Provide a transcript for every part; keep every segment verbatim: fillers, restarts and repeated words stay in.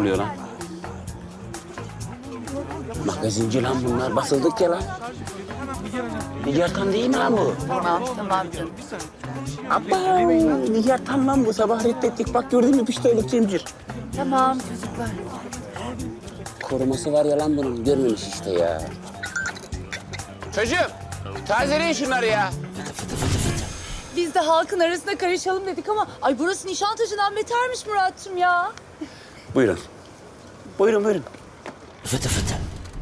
oluyor lan? Magazinci lan bunlar. Basıldık ya lan. Nigar Tan değil mi lan bu? Tamam, tamam canım. Abba, Nigar Tan lan bu. Sabah reddettik. Bak gördün mü piştoyluk Cemcir. Tamam çocuklar. Koruması var ya lan bunun. Görmemiş işte ya. Çocuğum, tazeleyin şunları ya. Biz de halkın arasına karışalım dedik ama ay burası Nişantaşı'dan betermiş Murat'cığım ya. Buyurun. Buyurun, buyurun. Fıtı fıtı.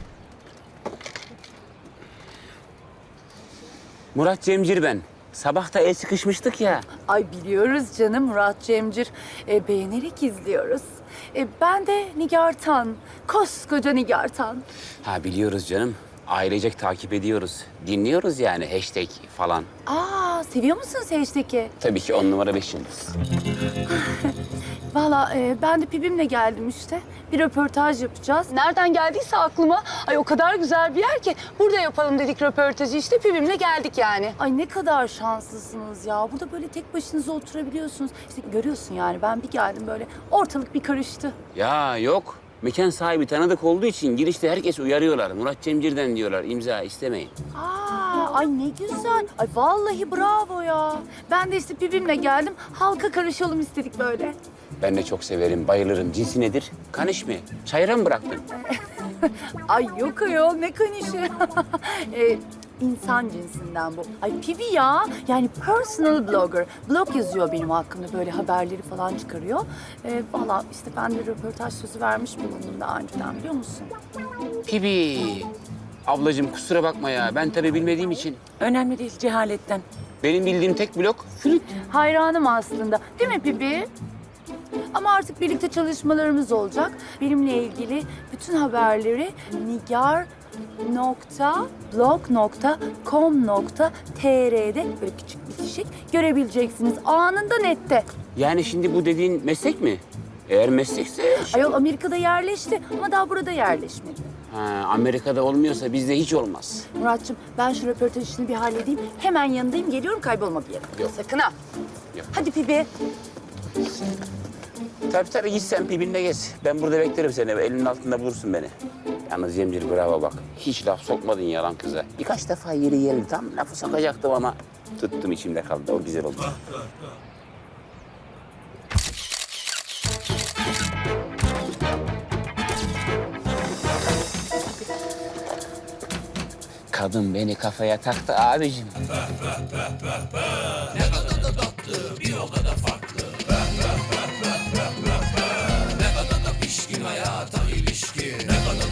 Murat Cemcir ben. Sabah da el sıkışmıştık ya. Ay biliyoruz canım Murat Cemcir. E, beğenerek izliyoruz. E, ben de Nigar Tan. Koskoca Nigar Tan. Ha biliyoruz canım. Ailecek takip ediyoruz. Dinliyoruz yani hashtag falan. Aa seviyor musunuz hashtag'i? Tabii ki on numara beş yıldız. Valla e, ben de Pibim'le geldim işte. Bir röportaj yapacağız. Nereden geldiyse aklıma. Ay o kadar güzel bir yer ki. Burada yapalım dedik röportajı işte. Pibim'le geldik yani. Ay ne kadar şanslısınız ya. Burada böyle tek başınıza oturabiliyorsunuz. İşte görüyorsun yani ben bir geldim böyle ortalık bir karıştı. Ya yok. Mekan sahibi tanıdık olduğu için girişte herkes uyarıyorlar. Murat Cemcir'den diyorlar. İmza istemeyin. Aa, ay ne güzel. Ay vallahi bravo ya. Ben de işte Pibim'le geldim. Halka karışalım istedik böyle. Ben de çok severim, bayılırım. Cinsi nedir? Kaniş mi? Çayıra mı bıraktın? Ay yok ayol ne kanişi. ee, insan cinsinden bu. Ay Pibi ya. Yani personal blogger. Blog yazıyor benim hakkımda böyle haberleri falan çıkarıyor. Ee, Valla işte ben de röportaj sözü vermiş bulundum daha önceden biliyor musun? Pibi. Ablacığım kusura bakma ya. Ben tabii bilmediğim için. Önemli değil cehaletten. Benim bildiğim tek blok flüt. Hayranım aslında. Değil mi Pibi? Ama artık birlikte çalışmalarımız olacak. Benimle ilgili bütün haberleri nigar nokta blog nokta com nokta tr'de böyle küçük bitişik görebileceksiniz. Anında nette. Yani şimdi bu dediğin meslek mi? Eğer meslekse... Ayol Amerika'da yerleşti ama daha burada yerleşmedi. Ha, Amerika'da olmuyorsa bizde hiç olmaz. Muratçım ben şu röportaj işini bir halledeyim. Hemen yanındayım. Geliyorum kaybolma bir yere. Yok. Sakın ha. Yok. Hadi Pibi. Tabii tabii git sen Pibin'le gez. Ben burada beklerim seni. Elinin altında bulursun beni. Yalnız Cemcir bravo bak. Hiç laf sokmadın yalan kıza. Birkaç defa yeri geldi. Tam lafı sokacaktım ama tuttum içimde kaldı. O güzel oldu. Kadın beni kafaya taktı abicim. Ne kadar da tatlı, bir o kadar farklı. Ne kadar da pişkin hayata ilişkin.